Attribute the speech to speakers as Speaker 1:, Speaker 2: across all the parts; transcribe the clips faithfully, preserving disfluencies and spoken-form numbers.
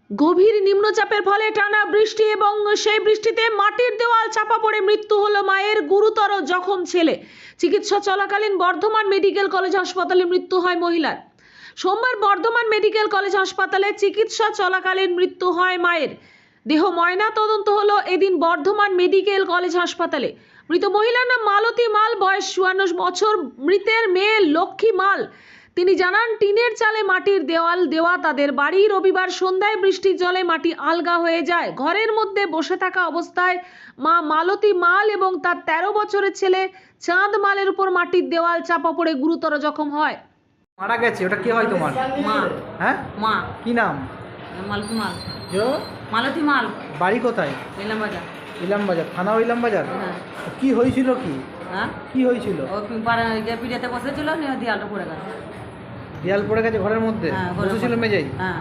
Speaker 1: গভীর নিম্নচাপের ফলে টানা বৃষ্টি এবং সেই বৃষ্টিতে মাটির দেওয়াল চাপা পড়ে মৃত্যু হলো মায়ের। গুরুতর জখম ছেলে। চিকিৎসা চলাকালীন বর্ধমান মেডিকেল কলেজ হাসপাতালে মৃত্যু হয় মহিলার। সোমবার বর্ধমান মেডিকেল কলেজ হাসপাতালে চিকিৎসা চলাকালীন মৃত্যু হয় মায়ের। দেহ ময়না তদন্ত হলো এদিন বর্ধমান মেডিকেল কলেজ হাসপাতালে। মৃত মহিলার নাম মালতী মাল, বয়স চুয়ান্ন বছর। মৃতের মেয়ে লক্ষ্মী মাল। তিনি জানান, টিনের চালে মাটির দেওয়াল দেওয়া তাদের বাড়ি। রবিবার সন্ধ্যায় বৃষ্টির জলে মাটি আলগা হয়ে যায়। ঘরের মধ্যে বসে থাকা অবস্থায় মা মালতী মাল এবং তার তেরো বছরের ছেলে চাঁদ মালের উপর মাটির দেওয়াল চাপা পড়ে গুরুতর জখম হয়।
Speaker 2: মারা গেছে, ওটা কি হয় তোমার?
Speaker 3: মা।
Speaker 2: হ্যাঁ,
Speaker 3: মা।
Speaker 2: কি নাম?
Speaker 3: মালতী মাল।
Speaker 2: জো
Speaker 3: মালতী মাল।
Speaker 2: বাড়ি কোথায়?
Speaker 3: ইলাম বাজার।
Speaker 2: ইলাম বাজার, থানা ইলাম বাজার।
Speaker 3: হ্যাঁ।
Speaker 2: কি হয়েছিল? কি
Speaker 3: হ্যাঁ,
Speaker 2: কি হয়েছিল?
Speaker 3: ও পিড়াতে বসেছিল, নিয়ে দেয়ালটা পড়ে গেল।
Speaker 2: দেয়াল পড়ে গেছে ঘরের মধ্যে?
Speaker 3: হ্যাঁ, ঘরের
Speaker 2: বসেছিল
Speaker 3: মধ্যে।
Speaker 2: মেঝেই?
Speaker 3: হ্যাঁ,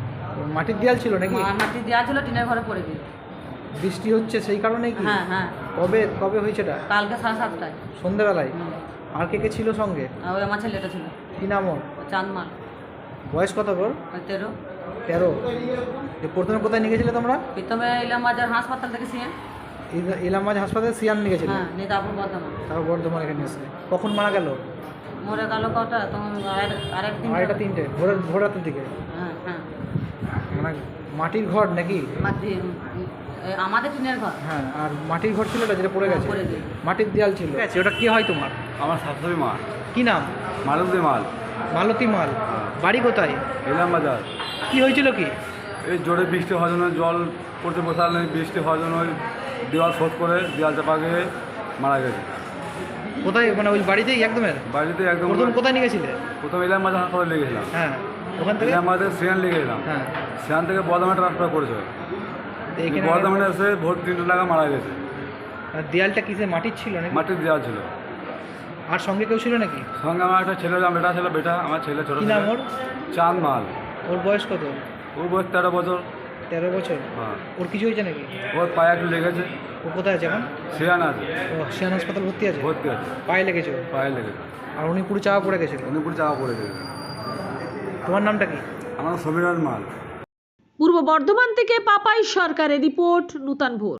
Speaker 2: মাটির দেয়াল ছিল নাকি?
Speaker 3: মা- মাটির দেওয়া ছিল, টিনের ঘরে পড়ে গেল।
Speaker 2: বৃষ্টি হচ্ছে সেই কারণে কি?
Speaker 3: হ্যাঁ হ্যাঁ,
Speaker 2: কবে কবে হয়েছে এটা?
Speaker 3: কালকে সাড়ে সাতটায়।
Speaker 2: সন্ধ্যেবেলায়?
Speaker 3: হুম।
Speaker 2: আর কে কে ছিল সঙ্গে?
Speaker 3: আর ওই আমার ছেলেটা ছিল,
Speaker 2: কি নাম ওর?
Speaker 3: চাঁদ মাল।
Speaker 2: বয়স কত ওর?
Speaker 3: ওই তেরো।
Speaker 2: তেরো। যে প্রথমে কোথায় নিয়ে গেছিলে তোমরা?
Speaker 3: প্রথমে ইলাম বাজার হাসপাতাল থেকে সিএন।
Speaker 2: ইলা- ইলাম বাজার হাসপাতালে সিয়ান নিয়ে গেছিলে?
Speaker 3: হ্যাঁ, নিয়ে তারপর বর্ধমান।
Speaker 2: তারপর বর্ধমান এখানে এসে কখন মারা গেল?
Speaker 3: মরে গেল কটা তখন আরেক দিন।
Speaker 2: আড়াইটা তিনটে ভোরের ভোর রাতের দিকে?
Speaker 3: হ্যাঁ হ্যাঁ,
Speaker 2: মানে মাটির ঘর নাকি?
Speaker 3: মাটি এ, আমাদের টিনের ঘর।
Speaker 2: হ্যাঁ, আর মাটির ঘর ছিল ওটা যেটা পড়ে গেছে?
Speaker 3: পড়ে গেছে।
Speaker 2: মাটির দেয়াল ছিল। আচ্ছা, ওটা কি হয় তোমার?
Speaker 4: আমার শাশুড়ি মা।
Speaker 2: কি নাম?
Speaker 4: মালতী মাল।
Speaker 2: মালতী মাল। বাড়ি কোথায়?
Speaker 4: ইলাম বাজার।
Speaker 2: কি হয়েছিল কি?
Speaker 4: এই জোরে বৃষ্টি হওয়ার জন্য, জল পড়তে বসার নেই, বৃষ্টি হওয়ার জন্য ওই দেওয়াল শোধ করে দেওয়াল চাপা গিয়ে মারা গেছে।
Speaker 2: কোথায়, মানে ওই বাড়িতেই একদমের?
Speaker 4: বাড়িতে একদম
Speaker 2: প্রথম কোথায় নিয়ে গেছিলে?
Speaker 4: প্রথম ইলাম বাজার হাসপাতালে লেগেছিলাম।
Speaker 2: হ্যাঁ, ওখান থেকে?
Speaker 4: ইলাম বাজার সিয়ান লেগেছিলাম।
Speaker 2: হ্যাঁ,
Speaker 4: সিয়ান থেকে বর্ধমানে ট্রান্সফার করেছে।
Speaker 2: তো এখানে
Speaker 4: বর্ধমানে এসে ভোর তিনটে টাকা মারা গেছে।
Speaker 2: আর দেয়ালটা কিসে, মাটির ছিল নাকি?
Speaker 4: মাটির দেওয়াল ছিল।
Speaker 2: আর সঙ্গে কেউ ছিল নাকি?
Speaker 4: সঙ্গে আমার একটা ছেলে, আমার বেটা ছিল, বেটা আমার ছেলে ছোটো
Speaker 2: কি নাম ওর?
Speaker 4: চাঁদ মাল।
Speaker 2: ওর বয়স কত?
Speaker 4: ওর বয়স তেরো বছর।
Speaker 2: তেরো বছর।
Speaker 4: হ্যাঁ,
Speaker 2: ওর কিছু হয়েছে নাকি?
Speaker 4: ওর পায়ে একটু লেগেছে।
Speaker 2: ও কোথায় আছে এখন?
Speaker 4: সিয়ান আছে,
Speaker 2: ও সিয়ান হাসপাতাল ভর্তি আছে?
Speaker 4: ভর্তি আছে।
Speaker 2: পায়ে লেগেছে ওর?
Speaker 4: পায়ে লেগেছে।
Speaker 2: আর উনি পুরো চাপা পড়ে গেছিল?
Speaker 4: উনি পুরো চাপা পড়ে গেছে।
Speaker 2: তোমার নামটা কি?
Speaker 4: আমার সমীরণ মাল।
Speaker 1: পূর্ব বর্ধমান থেকে পাপাই সরকারের রিপোর্ট, নূতন ভোর।